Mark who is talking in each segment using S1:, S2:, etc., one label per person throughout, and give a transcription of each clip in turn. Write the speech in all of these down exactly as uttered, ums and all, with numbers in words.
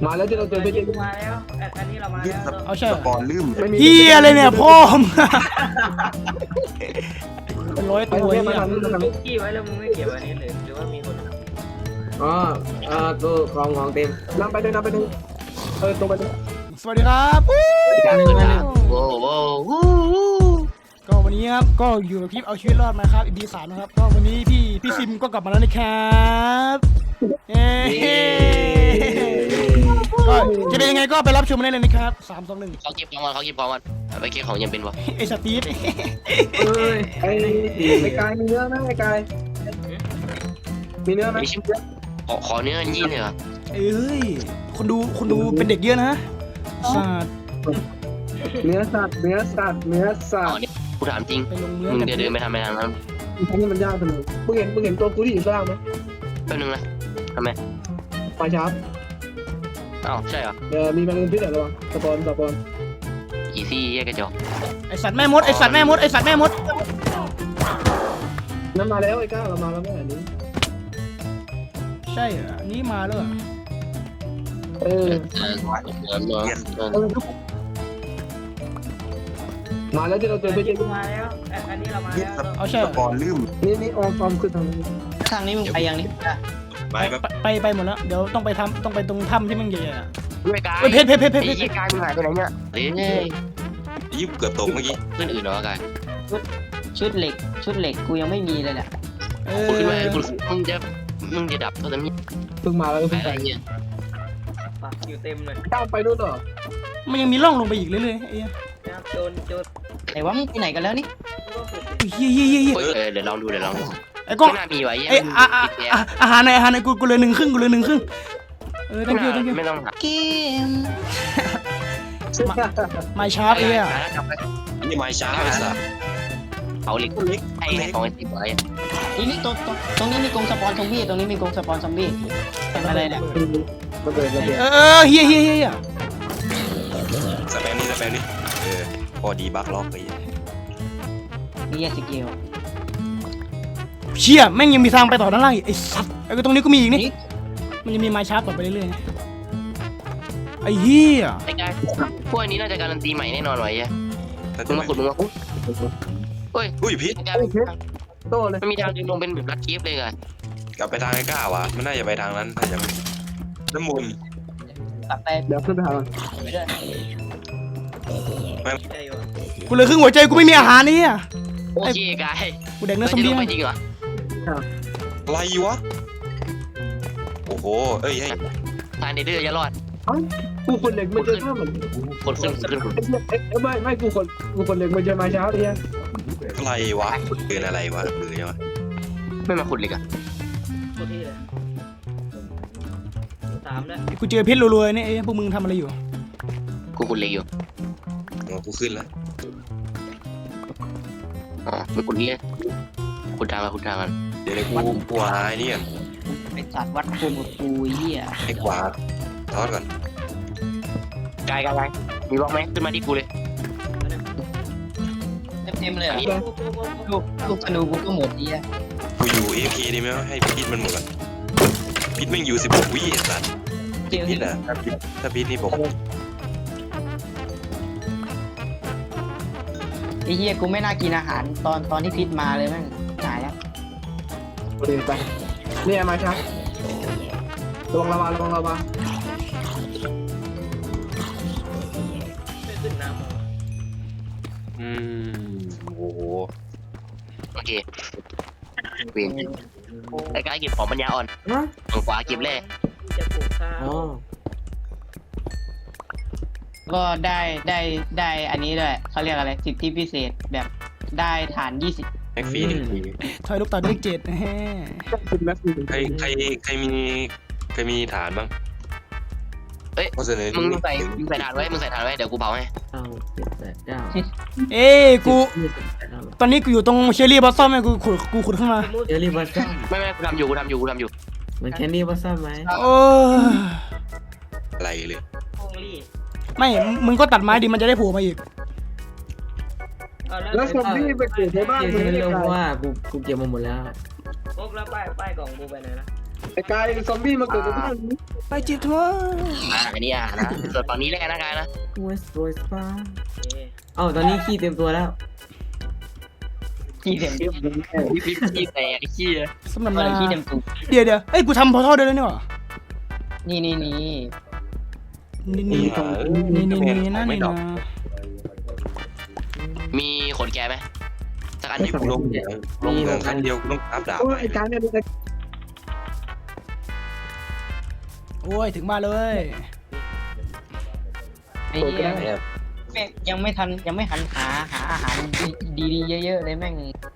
S1: มาแล้วที่เราเจอไปเจอ
S2: มาแล้วอันนี้เรามาแล้ว
S3: เอาใช่
S4: สปอนลืม
S3: เฮียอะไรเนี่ยพ่อมเป็นร้อย
S1: ไป
S3: ตัว
S1: เรีย
S3: เนี่ย
S1: กมาทำนี่มาทำ
S2: มึ
S1: นี่
S2: งกี้ไว้แล้วมึงไม่เก็บอันนี้เลยหรือว่ามีคน
S1: อ๋ออ่าตัวกองของเต็มนำไปเลยนำไปเลยเออตรงไปเลย
S3: สวัสดีครับ
S4: โว้โว้วู้
S3: ก็วันนี้ครับก็อยู่กับคลิปเอาชีวิตรอดมาครับอีพีสามนะครับก็วันนี้พี่พี่ซิมก็กลับมาแล้วนะครับเย้ก็จะเป็นยังไงก็ไปรับชมได้เลยนะครับสามสองหนึ่ง
S5: เขาเก็บของมันเขาเก็บของมันไปเก็บของยังเป็นวะ
S3: ไอ้สตีฟ
S1: เอ้ยไอ้ไอ้กายมีเนื้อไหมไอ้กายมีเนื้อไหม
S5: ไม่ใช่ขอขอเนื้อยี่เลยเหรอ
S3: เอ้ยคนดูคนดูเป็นเด็กเยอะนะสัตว์
S1: เนื้อสัตว์เนื้อสัตว์เนื้อสัต
S5: อ๋อ
S1: ว์
S5: เนี่ยกูถามจริง
S3: ไปลงเนื้อ
S5: มึง
S3: กัน
S5: จะเดินไปทำไมทางนั้น
S1: อันนี้มันยากจังเลยมึงเห็นมึงเห็นตัวกูที่อยู่ข้างล่างไหม
S5: แป๊บนึงนะทำไม
S1: ปลาชาร์ป
S5: อ้าวใช่เหรอ
S1: เออมีแมงมุมพิษเหรอระวังสปอนสปอน
S5: อีซี่แยกกระจก
S3: ไอสัตว์แม่มดไอสัตว์แม่มดไอสัตว์แม่มด
S1: นั่นมาแล้วไอ้ก้าเรามาแล้วแม่อันนี้
S3: ใช่เหรออันนี้มาแล้วเหรอ
S1: เออ
S5: เออเออเออเออ
S1: เออมาแล้วที่เราเจอไปเจอ
S2: มาแล้วอันนี้เรามาแล้ว
S3: เอาใช่
S4: ส
S3: เหรอ
S4: ปอนลืม
S1: นี่นี่ออมออมขึ้นทางนี้
S2: ทางนี้มึงไปยังนี่
S4: ไปแบบ
S3: ไปไปหมดแล้วเดี๋ยวต้องไปทำต้องไปตรงถ้ำที่มันใหญ่ๆอ่ะ
S5: ด้วยกาย
S3: เฮ้ยเพชรเพชรเพชรเพชร
S5: ไอ้ยี่กายมึงหายไปไหนเนี่ยเฮ้ย
S4: ยิบเกือบตกเมื่อกี้
S5: เพื่อนอื่นเหรอกาย
S2: ชุดเหล็กชุดเหล็กกูยังไม่มีเลยแหละ
S3: เอ
S5: กูขึ้นมา
S3: อ
S5: กูมึงจะมึงจะดับตัวนี้
S1: เพิ่งมาแล้วก็
S5: ไป
S1: เพิ่ง
S5: อะ
S1: ไป
S5: ไรเนี่ย
S2: อยู่เต็มเลย
S1: ก้าวไปนู่นเหรอ
S3: มันยังมีร่องลงไปอีกเรื่อยๆไอ้เหี้ย
S2: โจนโจนไหนว่ามึงไปไหนกันแล้วนี่
S3: เฮียเฮียเฮียเฮีย
S5: เออเดี๋ยวลองดูเดี๋ยวลองดู
S3: ไอ้กล้อง
S5: ไม่น่ามีไว้ยัง
S3: ไอ้อาอาอาอาหารในอาหารในกูกูเลยหนึ่งครึ่งกูเลยหนึ่งครึ่งเออ
S5: ไม่
S3: thank you thank you
S5: ไม่ต้องหา
S2: กิม
S3: ไม่ชาร์ปไอ้เหี้ย
S4: นี่ไม้ช้าไอ้สัส
S5: เอาเหล็กไอ้ของไอ้ติดไว้
S2: นี่นี่ตรงตรงนี้มีกรงสปอนซอมบี้ตรงนี้มีกรงสปอนซอมบี้เป็นอะไรเนี่ย
S1: มันเกิดระเบิด
S3: เออเออเฮียเฮียเฮีย
S4: สแปมนี่สแปมนี่เออพอดีบักล็อกไป
S2: นี่สกิล
S3: เชี่ยแม่งยังมีทางไปต่อด้านล่างอีกไอ้สัตว์ไอ้ตรงนี้ก็มีอีกนี่มันยังมีไม้ชาร์ปต่อไปเรื่อยๆไอ้เหี้ย
S5: ไอ้กายพวกนี้น่าจะการันตีใหม่แน่นอนไว้ยัง
S4: ถ้า
S5: มึ
S4: จะ
S5: ง
S4: ไม่
S5: มาขุดมึงมาขุดเฮ้ย
S4: อุ้ยพิษ
S5: ไอ้กาย
S1: โตเลย
S5: มันมีทางดึงลงเป็นแบบลัดเกียบเลยกัน
S4: กลับไปทางไอ้ก้าวะมันน่าจะไปทางนั้นน่าจะน้ำมูล
S2: กลับไป
S1: เดี๋ยวขึ้นไปหา
S2: ไปด้วย
S3: กูเหลือครึ่งหัวใจกูไม่มีอาหารนี่อ่ะ
S5: โอเคกาย
S3: กูแดกเนื้
S5: มั
S3: อน ซอม
S5: จะล
S3: บี้
S5: งไปจริงเหรอ
S4: อะไรวะโอ้โหเอ้ย
S5: ทางเดือดจะรอด
S1: กูคนเหล็กมันเจอท่าเหมือน
S5: คนขึ้นขึ้น
S1: ไม่ไม่กูคนกูคนเหล็กมันเจอมาเช้าเนี่ย
S4: อะไรวะเกินอะไรวะหรือยังวะ
S5: ไม่มาขุดเลยกัน
S2: กูที่เลยสามแล้ว
S3: กูเจอเพชรรวยๆนี่ไอ้พวกมึงทำอะไรอยู่
S5: กูขุดเล็กอยู่
S4: อ๋อกูขึ้นแล้ว
S5: อ๋อมันขุดนี่เลยขุดทางมาขุดทางกัน
S4: เดี๋ยวกูกูหาไอ้นี่ก่อน
S2: ไอ้สัตว์วัดภูมิกับกูเหี้ย
S4: ให้ขวาทอดก่อน
S5: กายกายมีบล็อกไหมขึ้นมาที่กูเลย
S2: เต็มเลยอ่ะลูกลูกธนูกูก็หมดเหี้ย
S4: กูอยู่เอพีดีไหมวะให้พิษมันหมดก่อนพิษแม่งอยู่สิบหกวิไอ้สัส
S2: เจอ
S4: พิษอ่ะถ้าพิษถ้าพิษนี่ผม
S2: ไอ้เหี้ยกูไม่น่ากินอาหารตอนตอนที่พิษมาเลยแม่งตายแล้ว
S1: เดินไปนี่มาเช้าระวังระวังระวังระวัง
S4: อืมโอ้โห
S5: โอเคเวียนไอ้กายเก็บของปัญญาอ่อนฝั่งขวาเก็บแร่
S2: จะปลูกข้าว
S1: อ๋อ
S2: ก็ได้ได้ได้อันนี้ด้วยเขาเรียกอะไรสิทธิพิเศษแบบได้ฐานยี่สิบ
S4: แม็กฟรีหนึ่งที
S3: ถอยลูกต่อเลขเจ็ดแฮ
S1: คุณแม็กซ์
S4: ใครใครใครมีใครมีฐานบ้าง
S5: เอ้ย
S4: ข้อเสนอ
S5: มึงใส่มึงใส่ฐานไว้มึงใส่ฐานไว้เดี๋ยวกูเผาให้
S6: เก้าเจ็ดแปดเก้า
S3: เอ้ยกู
S6: ยี่สิบแปดเก้า
S3: ตอนนี้กูอยู่ตรงเชอรี่บอสซอมไงกูขุดกูขุดขึ้นมา
S6: เจอรี่บัสซัม
S5: ไม่ไม่กูทำอยู่กูทำอยู่กูทำอยู่
S6: เหมือนแคนดี้บัสซัมไหม
S3: โอ้ย
S4: อะไรเลย
S2: พงลี่
S3: ไม่มึงก็ตัดไม้ดิมันจะได้โผล่มาอีก
S1: แล้วซอมบี้ไปเกิดในบ้าน
S6: เจ
S1: มึ
S6: อง
S1: ไม่
S6: เร็
S1: ได้
S6: วเพราะว่ากูกูเก็บมาหมดแล้ว
S2: พกแล้วป้ายป้ายกล่องกูไปไหนนะ
S1: ไอ้กายซอมบี้มาเกิดในบ้านนี้
S3: ไปจิตทัวร์
S5: อ่าอันนี้อ่ะนะส่วนฝั่งนี้แล้วกันนะกายนะ
S6: เวสต์โรสปาเอ้าตอนนี้ขี้เต็มตัวแล้ว
S2: ขี้เต็มที่
S5: พี่พี่ขี้แตกขี้
S3: สำหรับ
S2: อะไร
S3: นา
S2: ขี้เต็มตุก
S3: เดี๋ยวเดี๋ยวเอ้ยกูทำพอท่อได้แล้วนี่หว่า
S2: นี่นี่นี่
S3: นี่นี่นี่นี่นี่นั่นนี่นะ
S5: มีขนแกไหมสักอัน
S4: นี่
S5: ที่
S4: กูลงเหมืองลงเหมืองครั้งเดียวกูต้องอัพดาบ
S1: โอ้
S4: ไป
S1: ยไอ้กายเนี่ยไอ้
S3: โอ้ยถึงมาเลย
S2: ไอ้เหี้ยแม่งยังไม่ทันยังไม่หันหาหาอาหารดีๆเยอะๆเลยแม่ง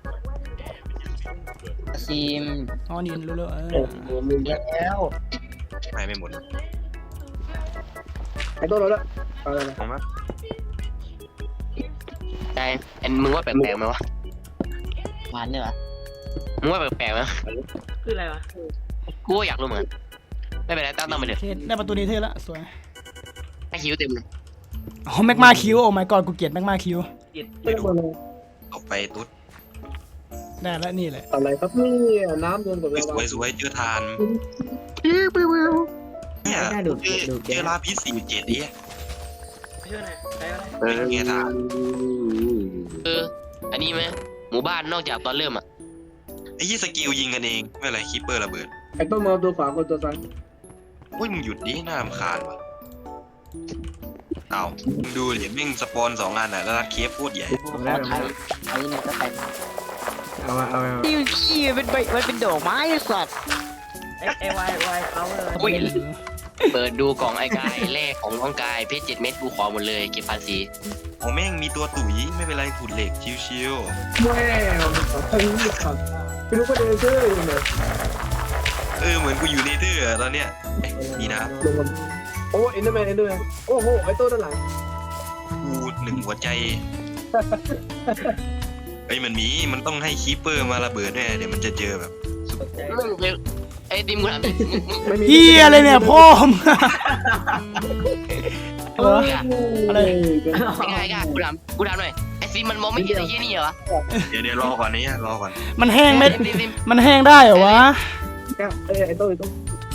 S2: ซีม
S3: อ๋อนี่รู้แล้วเออ
S2: แล้ว
S4: ไปไม่หมด
S1: ไอ้ตัวเราละอะไรนะ
S4: ของมั้ย
S5: กายอันมึงว่าแปลกๆไหมวะ
S2: หวานเนี่ยวะ
S5: มึงว่าแปลกๆไหม
S6: คืออะไรวะ
S5: กูก็อยากรู้เหมือนกันไม่เป็นไรตั้งตั้งไปเถ
S3: โอ
S5: อะ
S3: เคได้ประตูนี้เท่ละสวย
S5: ให้คิวเต็มเลย
S3: อ๋อแม็กมาคิวโอ้ my god กูเกลียดแม็กมาคิว
S1: ไม่รู้เลย
S4: ออกไปตุ๊ด
S3: ได้แล้วนี่แหละ
S1: อะไรครับนี่น้ำโดนกับ
S4: ส
S1: เรา
S4: วยสวยเจอทานเนี่ย
S6: ได้ดูด
S4: เจอ
S6: ดูด
S4: เจอลาพิษสี่เจ็ดดิ
S5: เออ
S4: เป็นไงทาน
S5: เอออันนี้ไหมหมู่บ้านนอกจากตอนเริ่มอ่ะ
S4: ไอ้ยี่สกิลยิงกันเองไม่อะไรคิปเปอร์ระเบิด
S1: ไอ้ต้นมาตัวขวากับตัวซ้าย
S4: โอ้ยมึงหยุดดิน่ารำคาญว่ะเอามึงดูดิแม่งสปอนสองอันอ่ะแล้วรัดเคฟโคตรใหญ่
S6: เอาได้
S2: ไทยไอ้เนี่ยก็ไทย
S6: เอามาเอามา
S2: ที่ขี้เป็นใบมันเป็นดอกไม้สัตว์
S6: ไอ้วายวายเอาเลย
S5: อุ้ยเปิดดูกล่องไอ้กายแรกของน้องกายเพชรเจ็ดเม็ดกูขอหมดเลยเก็บภาษี
S4: โอ้แม่งมีตัวตุ๋ยไม่เป็นไรขุดเหล็กชิว
S1: แม่ทางนี้ครับไม่รู้ว่าเดินเชื่อยังไง
S4: ๆเออเหมือนกูอยู่ในเธอร์ตอนเนี้ยเอ๊ะมีน้
S1: ลงมาโอ้เอ็นเดอร์แมนเอ็นเดอร์แมนโอ้โหไอ้ตัวด้านหลัง
S4: ำกูหนึ่งหัวใจไอ้ยมันมีมันต้องให้คีปเปอร์มาระเบิดแน่เดี๋ยวมันจะเจอแบบ
S5: ไอ้ดิมกูถามดิมึงมึง
S1: ไม่มี
S3: เฮียอะไรเนี่ยพ่อมงเหรอ อะไร
S5: ไม่ง่ายกกูถามกูถามหน่อยไอ้ซิมมันมองไม่เห็นไอ้ยี่นี่เหรอวะ
S4: เดี๋ยวเดี๋ยวรอก่อนนี้รอก่อน
S3: มันแห้งไหม
S5: ซิซิม
S3: มันแห้งได้เหรอวะ
S1: ไอ้ไอ้ตัวไอ้ตัว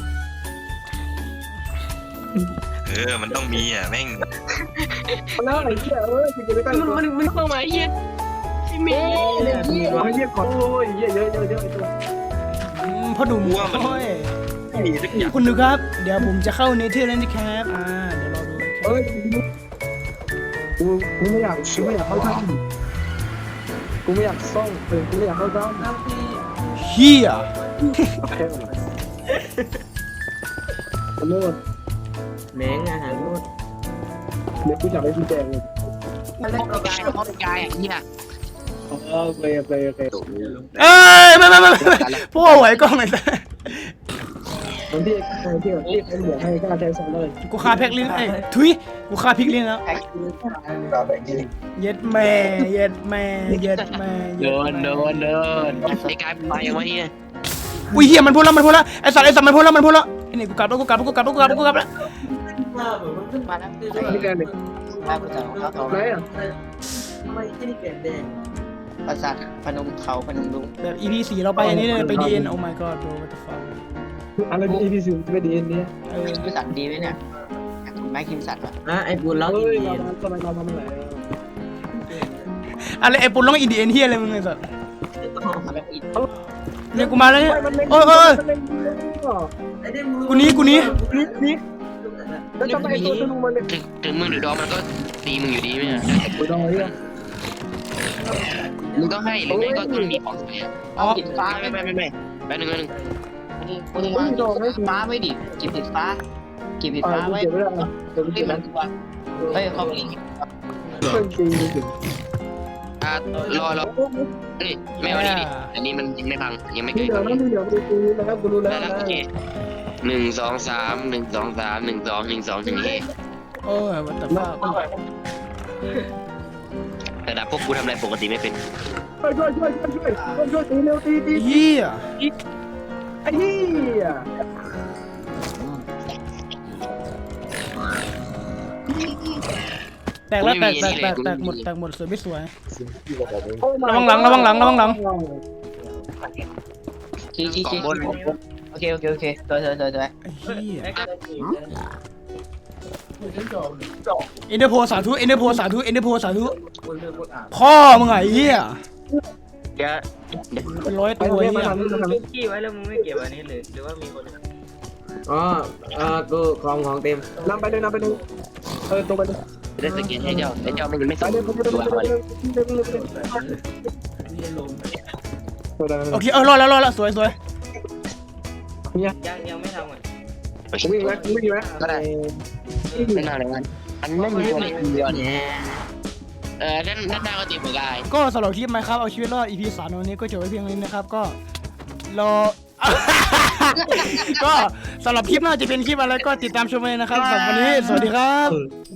S4: เออมันต้องมีอ่ะแม่ง
S1: แล้วไอ้เหี้ยเอ้ยจะไปใกล้
S5: มัน
S1: ตัว
S5: มันมันเข้ามาไอ้ยี่ไม่มี
S1: เหี้ยเหี้ยก่อนโอ้ยเหี้ยเยอะเยอะเยอะไอ้ตัว
S3: อืมพ่อหนุ่มโอ้ย
S4: ไม่มีสักอย่าง
S3: คุณดูครับ เดี๋ยวผมจะเข้าเนเธอร์แล้วนะครับอ่าเดี๋ยวรอดูนะครับ
S1: เอ้ยกูกูไม่อยากกูไม่อยากเข้าถ้ำกูไม่อยากซ่องเออกูไม่อยากเข้าถ้ำ
S3: เฮีย
S1: แค่ไหนขอโทษ
S6: แมงอาหารหมด
S1: เดี๋ยวกูจะไปพี่แจงเลย
S5: ห้องกายห้องกายอ่ะเนี่ย
S1: อ๋อโอเคโอเคโอเค
S3: เอ้ยไม่ไม่ไม่ไม่ไม่พ่อไหวกล้องไอ้สัส
S1: ตอนที่ตอนที่ที่ไอ้เหลือให้กล้าใช้ซ่องเลย
S3: กูคาแพ็กลิ้นไอ้ยทุยกูคาพริกลิ้นแล้วเย็ดแม่เย็ดแม่เย็ดแม่
S5: โดนโดนโดนไอ้กายไปยังวะเนี่ย
S3: อุ้ยเฮียมันพูดแล้วมันพูดแล้วไอ้สัตว์ไอ้สัตว์มันพูดแล้วมันพูดแล้วไอ้นี่กูกลับแล้วกูกลับแล้วกูกลับแล้วกูกลับแล้วกูกลับแล้ว
S2: มาแล้ว
S1: พี่แจงเลย
S2: มากูจะเอาเขา
S1: ไหนอ่ะ
S2: ประสาทพนมเขาพนมรุ้ง
S3: แบบ อี พี สี่เราไปอันนี้เลยไป ดี เอ็น โอ้ my god bro what the fuck
S1: อะไรเป็น อี พี ศูนย์ไม่ดีเนี่ย
S3: เออ
S2: คิมสันดีไหมเนี่ยแม็กคิมสันวะ
S6: อ่ะไอ้บุญล็อก
S1: เฮ้
S6: อิ
S1: ย
S6: นเดี
S1: เรา
S6: ย
S1: ทำไมเราทำอะไร
S3: อะไรไอ้ปุ่นร้องอินดีเอ็นเฮียอะไรมึงไอ้สัส
S2: แบบอีก
S3: เนี่ยกูมาแล้วเนี่ย
S1: มันเล่น
S3: โอ้ยโอ้ย
S1: มันเล่น
S3: กูหนี้กูหนี้
S1: นี่นี่แล้วทำไมไอ้ตัวธนูมันเล่น
S5: ถึงถึงมึงหรือดอมมันก็ตีมึงอยู่ดีไหมอ่ะ
S1: โอ้ยดอยอ่ะ
S5: มึงก็ให้หรือไม่ก็ต้องมีของเสีย
S2: เอากินฟ้า
S5: ไม่
S2: ไม่
S5: ไม่ไม่ไม่แป๊บนึงแป๊บนึง
S2: มึงมากินฟ้าไม่ดิกินติดฟ้ากินติด
S1: อ่า
S2: ฟ้า
S1: กู
S2: ไว้
S1: เก็บไว้แล้วเก็บไว้
S2: ไม่
S1: เก็บ
S2: เหมื
S1: ไว้
S2: อนตัวเฮ้ยเขาลิง
S1: เพิ่งตีถึง
S5: อ่ะรอรอนี่ไม่เอาดีดิอันนี้มันยังไม่พังยังไม่
S1: มี
S5: เกิด
S1: เหลือแล้วมีเหลือไปตีแล้วกูรู้แล้ว
S5: ได้แล้วโอเคหนึ่งสองสามหนึ่งสองสามหนึ่งสองหนึ่งสองหนึ่งเฮ
S3: โอ้ย what the fuck
S5: แต่ดับพวกกูทำอะไรปกติไม่เป็น
S1: ช่วยช่วยช่วยช่วยช่วยช่วยตีเร็วตีตี
S3: เฮีย
S1: ไอ้เหี้ย
S3: แตกแล้วแตกแตกแตกแตกหมดแตกหมดสวยไม่สวย
S1: โอ้
S3: ระวังหลังระวังหลังระวังหลัง
S2: ชี้ชี้
S5: กล่อง
S2: ชี้
S5: บน
S2: โอเคโอเคโอเคสวยสวยสวยสวย
S3: ไอ้เหี้ย
S6: ไอ้กาย
S3: เอ็นเดอร์โพสาธุเอ็นเดอร์โพสาธุเอ็นเดอร์โพสาธุพ่อมึงไงเหี้ย
S5: เดี๋ยว
S3: เป็นร้อย
S1: ไป
S3: ตัว
S1: ทางนี้
S3: เหี้
S1: มาย ทางนี้มาทางนี้
S6: ขี้ไว้แล้วมึงไม่เก็บอันนี้หรือหรือว่ามีคนอ๋ออ่ากูของของเต็ม
S1: นำไปเลยนำไปเลยเออตรงไปเลย
S5: ได้สกินให้เจ้าไอ้เจ้ามันยังไม่
S1: ไป
S5: ส่ง
S1: เลยไปเลย
S5: ตัว
S1: ไป
S5: มา
S1: เล
S5: เลย
S1: ย
S3: โอเคเออรอดแล้วรอดแล้วสวยสวย
S1: เนี่ย
S6: ยังยังไม่ทำอ่ะ
S1: วิ่งไหมวิ่งไหม
S5: ก็ได้ไม่น่าเลยมันอันไม่มีตัวไหนเดียวเนี่ยเออด้านด้านหน้าก็ตีเหมือนกัน
S3: ก็สำหรับคลิปไหมครับเอาชีวิตรอด อี พี สามวันนี้ก็จบไว้เพียงนี้นะครับก็รอ ก็สำหรับคลิปหน้าจะเป็นคลิปอะไรก็ติดตามชมเลยนะครับสำหรับวันนี้สวัสดีครับ